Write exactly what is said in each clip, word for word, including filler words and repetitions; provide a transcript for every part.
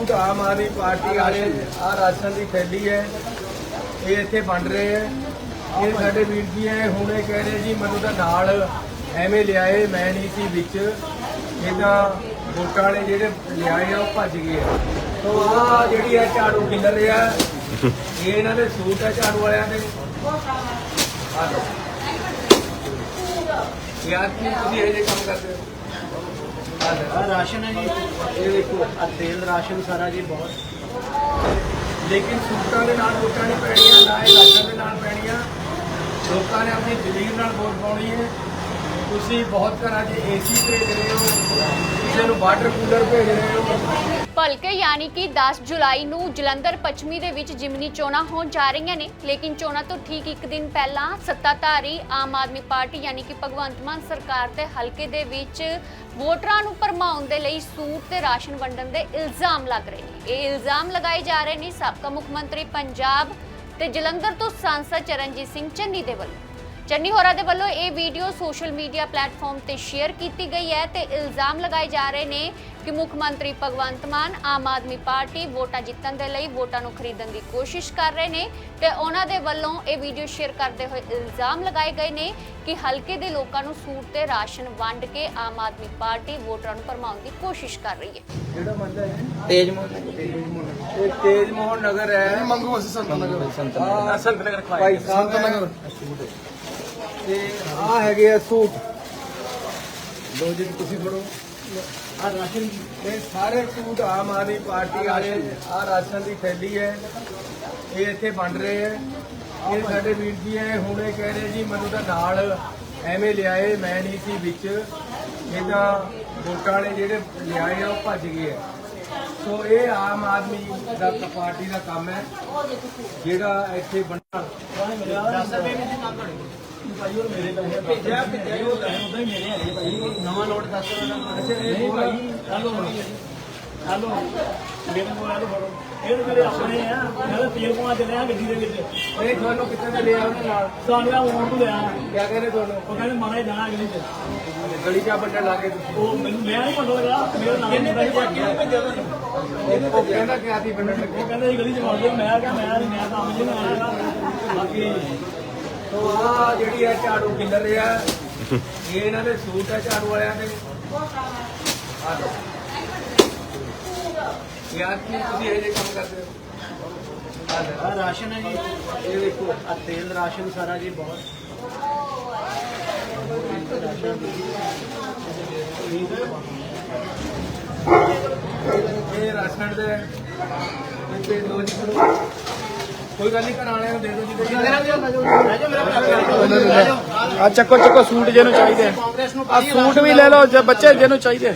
Suit आम आदमी party वाले आ राशन की थैली है ये इत्थे वंड रहे हैं। ये साडे वीर जी है हुण ये कह रहे जी मैनूं तां नाल एवें लियाए मैं नहीं सी विच ये तां वोटां वाले जिहड़े लियाए आ वो भज गए है। तो आ जिहड़ी है झाड़ू खिलर रहा ये इन्हां दे सूट है झाड़ू वालियां दे। आ लो यार की तुसीं इहो जिहे काम करदे हो। राशन है जी, ये देखो आ तेल राशन सारा जी बहुत। लेकिन सूटां दे नाल वोटां नहीं पैणीਆਂ ना ਇਹ ਰਾਸ਼ਨ ਦੇ ਨਾਲ ਪੈਣੀਆਂ। ਲੋਕਾਂ ਨੇ ਆਪਣੀ ਜ਼ਮੀਰ ਨਾਲ ਵੋਟ ਪਾਉਣੀ ਹੈ। ਤੁਸੀਂ ਬਹੁਤ ਘਰਾਂ 'ਚ ਏਸੀ ਭੇਜ ਰਹੇ ਹੋ, ਕਿਸੇ ਨੂੰ ਵਾਟਰ ਕੂਲਰ ਭੇਜ ਰਹੇ ਹੋ। ਭਲਕੇ ਯਾਨੀ ਕਿ ਦਸ ਜੁਲਾਈ ਨੂੰ ਜਲੰਧਰ ਪੱਛਮੀ ਦੇ ਵਿੱਚ ਜਿਮਨੀ ਚੋਣਾਂ ਹੋਣ ਜਾ ਰਹੀਆਂ ਨੇ। ਲੇਕਿਨ ਚੋਣਾਂ ਤੋਂ ਠੀਕ ਇੱਕ ਦਿਨ ਪਹਿਲਾਂ ਸੱਤਾਧਾਰੀ ਆਮ ਆਦਮੀ ਪਾਰਟੀ ਯਾਨੀ ਕਿ ਭਗਵੰਤ ਮਾਨ ਸਰਕਾਰ ਦੇ ਹਲਕੇ ਦੇ ਵਿੱਚ ਵੋਟਰਾਂ ਨੂੰ ਭਰਮਾਉਣ ਦੇ ਲਈ ਸੂਟ ਤੇ ਰਾਸ਼ਨ ਵੰਡਣ ਦੇ ਇਲਜ਼ਾਮ ਲੱਗ ਰਹੇ ਨੇ। ਇਹ ਇਲਜ਼ਾਮ ਲਗਾਏ ਜਾ ਰਹੇ ਨੇ ਸਾਬਕਾ ਮੁੱਖ ਮੰਤਰੀ ਪੰਜਾਬ ਤੇ ਜਲੰਧਰ ਤੋਂ ਸਾਂਸਦ ਚਰਨਜੀਤ ਸਿੰਘ ਚੰਨੀ ਦੇ ਵੱਲੋਂ। ਚੰਨੀ ਹੋਰਾਂ ਦੇ ਵੱਲੋਂ ਇਹ ਵੀਡੀਓ ਸੋਸ਼ਲ ਮੀਡੀਆ ਪਲੇਟਫਾਰਮ ਤੇ ਸ਼ੇਅਰ ਕੀਤੀ ਗਈ ਹੈ ਤੇ ਇਲਜ਼ਾਮ ਲਗਾਏ ਜਾ ਰਹੇ ਨੇ ਕਿ ਮੁੱਖ ਮੰਤਰੀ ਭਗਵੰਤ ਮਾਨ ਆਮ ਆਦਮੀ ਪਾਰਟੀ ਵੋਟਾਂ ਜਿੱਤਣ ਦੇ ਲਈ ਵੋਟਾਂ ਨੂੰ ਖਰੀਦਣ ਦੀ ਕੋਸ਼ਿਸ਼ ਕਰ ਰਹੇ ਨੇ ਤੇ ਉਹਨਾਂ ਦੇ ਵੱਲੋਂ ਇਹ ਵੀਡੀਓ ਸ਼ੇਅਰ ਕਰਦੇ ਹੋਏ ਇਲਜ਼ਾਮ ਲਗਾਏ ਗਏ ਨੇ ਕਿ ਹਲਕੇ ਦੇ ਲੋਕਾਂ ਨੂੰ ਸੂਟ ਤੇ ਰਾਸ਼ਨ ਵੰਡ ਕੇ ਆਮ ਆਦਮੀ ਪਾਰਟੀ ਵੋਟਰਾਂ ਨੂੰ ਭਰਮਾਉਣ ਦੀ ਕੋਸ਼ਿਸ਼ ਕਰ ਰਹੀ ਹੈ। ਜਿਹੜਾ ਮੰਦਾ ਹੈ तेज मोहन ਇਹ ਤੇਜ ਮੋਹਨ ਨਗਰ ਹੈ। ਮੰਗੂ ਅਸੀਂ ਸੰਤ ਨਗਰ ਸੰਤ ਆਹ संत नगर ਭਾਈ ਸਾਹਿਬ ਸੰਤ ਨਗਰ ਤੇ ਆ ਹੈਗੇ ਆ ਸੂਟ ਲੋ ਜੀ ਤੁਸੀਂ ਫੜੋ। आ राशन ਇਹ ਸਾਰੇ ਸੂਟ ਆਮ ਆਦਮੀ ਪਾਰਟੀ ਵਾਲੇ ਆ ਰਾਸ਼ਨ ਦੀ ਥੈਲੀ ਹੈ ਇਹ ਇੱਥੇ ਵੰਡ ਰਹੇ ਹੈ। ਇਹ ਸਾਡੇ ਵੀਰ ਜੀ ਹੈ ਹੁਣ ਇਹ ਕਹਿ ਰਹੇ ਜੀ ਮੈਨੂੰ ਤਾਂ ਨਾਲ ਐਵੇਂ ਲਿਆਏ ਮੈਂ ਨਹੀਂ ਸੀ ਵਿੱਚ ਇਹ ਤਾਂ ਵੋਟਾਂ ਵਾਲੇ ਜਿਹੜੇ ਲਿਆਏ ਆ ਉਹ ਭੱਜ ਗਏ ਹੈ। ਸੋ ਇਹ ਆਮ ਆਦਮੀ ਦਾ ਪਾਰਟੀ ਦਾ ਕੰਮ ਹੈ ਜਿਹੜਾ ਇੱਥੇ ਵੰਡਣਾ। ਭਾਈ ਉਹ ਮੇਰੇ ਪੈਸੇ ਭੇਜਿਆ ਭੇਜਿਆ ਉਹ ਉਦਾਂ ਹੀ ਮੇਰੇ ਹੈਗੇ ਭਾਈ। नवा नोट दस ਅੱਛਾ ਇਹ ਭਾਈ ਹੈਲੋ ਹੈਲੋ ਮੇਰੇ ਕੋਲ ਹੈਲੋ ਫੜੋ ਇਹ ਮੇਰੇ ਆਪਣੇ ਆ ਮੈਂ ਤਾਂ ਤੇਲ ਪਵਾ ਚੱਲਿਆ ਗੱਡੀ ਦੇ ਵਿੱਚ ਇਹ ਤੁਹਾਨੂੰ ਕਿੱਥੇ ਤੇ ਲਿਆ ਉਹਦੇ ਨਾਲ ਸਾਨੂੰ ਆ ਮੋੜ ਤੋਂ ਲਿਆ ਕਿਆ ਕਹਿੰਦੇ ਤੁਹਾਨੂੰ ਉਹ ਕਹਿੰਦੇ ਮਾਰੇ ਜਾਣਾ ਅਗਲੀ ਚ ਗਲੀ ਚਾ ਵੱਡਾ ਲਾ ਕੇ ਤੁਸੀਂ ਉਹ ਮੈਨੂੰ ਮੈਂ ਨਹੀਂ ਪਤਾ ਲੱਗਾ ਮੇਰਾ ਨਾਮ ਕਿੰਨੇ ਭੇਜਿਆ ਭੇਜਿਆ ਉਹ ਕਹਿੰਦਾ ਕਿ ਆਦੀ ਬੰਨਣ ਲੱਗੇ। ਉਹ ਕਹਿੰਦਾ ਜੀ ਗਲੀ ਚ ਮਾਰ ਦਿਓ ਮੈਂ ਕਿਹਾ ਮੈਂ ਨਹੀਂ ਮੈਂ ਕੰਮ ਨਹੀਂ ਆਇਆ ਬਾਕੀ ਤੋ ਆ ਜਿਹੜੀ ਹੈ ਝਾੜੂ ਖਿਲਰ ਰਿਹਾ ਇਹ ਇਹਨਾਂ ਦੇ ਸੂਟ ਹੈ ਝਾੜੂ ਵਾਲਿਆਂ ਦੇ। ਆ ਲੋ ਯਾਰ ਕੀ ਤੁਸੀਂ ਇਹ ਜਿਹੇ ਕੰਮ ਕਰਦੇ ਹੋ। ਆ ਲੈ आ राशन है जी, ये देखो आ तेल राशन सारा जी बहुत। ਇਹ ਰਾਸ਼ਨ ਦੇ ਇੱਥੇ ਦੋ ਜੀ ਕਰੋ ਕੋਈ ਗੱਲ ਨਹੀਂ ਘਰ ਵਾਲਿਆਂ ਨੂੰ ਦੇ ਦਿਓ ਜੀ। ਆ ਚੱਕੋ ਚੱਕੋ ਸੂਟ ਜਿਹਨੂੰ ਚਾਹੀਦੇ ਆ ਸੂਟ ਵੀ ਲੈ ਲਓ ਜੇ ਬੱਚੇ ਜਿਹਨੂੰ ਚਾਹੀਦੇ।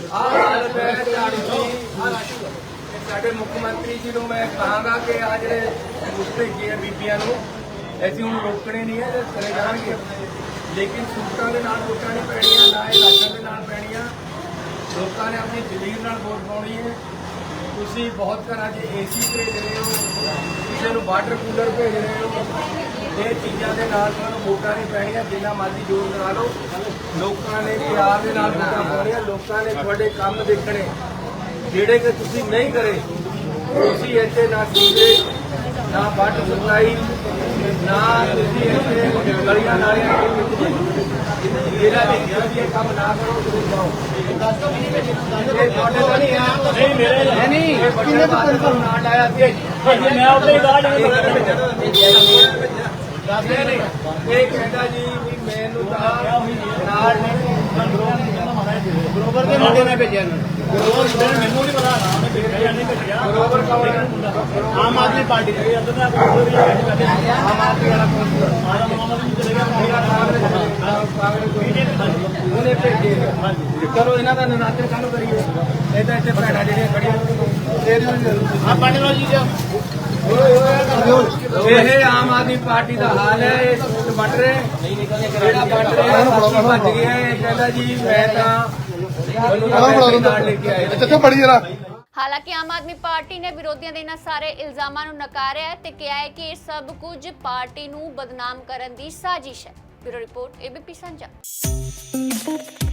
ਸਾਡੇ ਮੁੱਖ ਮੰਤਰੀ ਜੀ ਨੂੰ ਮੈਂ ਕਹਾਂਗਾ ਕਿ ਆ ਜਿਹੜੇ ਸੂਟ ਭੇਜੇ ਆ ਬੀਬੀਆਂ ਨੂੰ ਅਸੀਂ ਹੁਣ ਰੋਕਣੇ ਨਹੀਂ ਹੈ ਕਰੇ ਜਾਣਗੇ। ਲੇਕਿਨ ਸੂਟਾਂ ਦੇ ਨਾਲ ਵੋਟਾਂ ਨਹੀਂ ਪੈਣੀਆਂ ਨਾ ਇਹ ਰਾਸ਼ਨ ਦੇ ਨਾਲ ਪੈਣੀਆਂ। ਲੋਕਾਂ ਨੇ ਆਪਣੀ ਜ਼ਮੀਰ ਨਾਲ ਵੋਟ ਪਾਉਣੀ ਹੈ। ਤੁਸੀਂ ਬਹੁਤ ਘਰਾਂ 'ਚ ਏਸੀ ਭੇਜ ਰਹੇ ਹੋ, ਕਿਸੇ ਨੂੰ ਵਾਟਰ ਕੂਲਰ ਭੇਜ ਰਹੇ ਹੋ। ਇਹ ਚੀਜ਼ਾਂ ਦੇ ਨਾਲ ਤੁਹਾਨੂੰ ਵੋਟਾਂ ਨਹੀਂ ਪੈਣੀਆਂ। ਜਿੰਨਾ ਮਰਜ਼ੀ ਜ਼ੋਰ ਲਗਾ ਲਓ ਲੋਕਾਂ ਨੇ ਪਿਆਰ ਦੇ ਨਾਲ ਵੋਟਾਂ ਪਾਉਣੀਆਂ। ਲੋਕਾਂ ਨੇ ਤੁਹਾਡੇ ਕੰਮ ਦੇਖਣੇ ਜਿਹੜੇ ਕਿ ਤੁਸੀਂ ਨਹੀਂ ਕਰੇ। ਤੁਸੀਂ ਇੱਥੇ ਨਾ ਸੀਵਰੇਜ ਨਾ ਵਾਟਰ ਸਪਲਾਈ ਨਾ ਤੁਸੀਂ ਇੱਥੇ ਗਲੀਆਂ ਨਾਲੀਆਂ ਜਿਹੜਾ ਵੀ ਇਹ ਕੰਮ ਨਾ ਕਰੋ ਤੁਸੀਂ ਜਾਓ। ਇਹ ਤੁਹਾਡੇ ਦਾ ਨਹੀਂ ਹੈ ਨਹੀਂ ਮੇਰੇ ਨਹੀਂ ਇਹ ਕਿੰਨੇ ਤੋਂ ਕੰਫਰਮ ਨਾ ਲਾਇਆ ਸੀ ਮੈਂ ਉੱਤੇ ਹੀ ਬਾਹਰ ਜਾਣਾ ਇਹ ਕਹਿੰਦਾ ਜੀ ਵੀ ਮੈਨੂੰ ਤਾਂ ਨਾਲ बरोबर के मुंडे ने भेजा ਮੈਨੂੰ ਨਹੀਂ ਪਤਾ ਨਾ ਮੈਂ ਭੇਜਿਆ ਨਹੀਂ ਭੇਜਿਆ ਬਰੋਬਰ ਕੌਣ ਹੈ आम आदमी पार्टी ਇਹ ਅੰਦਰ ਨਾ ਕੋਈ ਆਮ ਆਦਮੀ ਵਾਲਾ ਕੌਣ ਹੈ? ਆਇਆ ਮੁਹੰਮਦ ਜੀ ਚਲੇ ਗਿਆ ਮੇਰਾ ਕਾਂਗਰਸ ਉਹਨੇ ਭੇਜੇ ਚਲੋ ਇਹਨਾਂ ਦਾ ਨਿਰਾਦਰ ਕੰਮ ਕਰੀਏ। ਇਹ ਤਾਂ ਇੱਥੇ ਭੈਣਾਂ ਜਿਹੜੀਆਂ ਖੜੀਆਂ आप पार्टी लो जी ਇਹ ਆਮ ਆਦਮੀ ਪਾਰਟੀ ਦਾ ਹਾਲ ਹੈ। ਇਹ ਸੂਟ ਵੰਡ ਰਹੇ ਜਿਹੜਾ ਵੰਡ ਰਿਹਾ ਬਾਕੀ ਭੱਜ ਗਿਆ। ਇਹ ਕਹਿੰਦਾ ਜੀ ਮੈਂ ਤਾਂ ਮੈਨੂੰ ਤਾਂ ਪੈਸੇ ਨਾਲ ਲੈ ਕੇ ਆਏ ਨੇ। ਚੱਕੋ ਬੜੀ ਜਰਾ ਹਾਲਾਂਕਿ ਆਮ ਆਦਮੀ ਪਾਰਟੀ ਨੇ ਵਿਰੋਧੀਆਂ ਦੇ ਇਹਨਾਂ ਸਾਰੇ ਇਲਜ਼ਾਮਾਂ ਨੂੰ ਨਕਾਰਿਆ ਹੈ ਤੇ ਕਿਹਾ ਹੈ ਕਿ ਇਹ ਸਭ ਕੁਝ ਪਾਰਟੀ ਨੂੰ ਬਦਨਾਮ ਕਰਨ ਦੀ ਸਾਜ਼ਿਸ਼ ਹੈ। ਬਿਊਰੋ ਰਿਪੋਰਟ ਏਬੀਪੀ ਸਾਂਝਾ।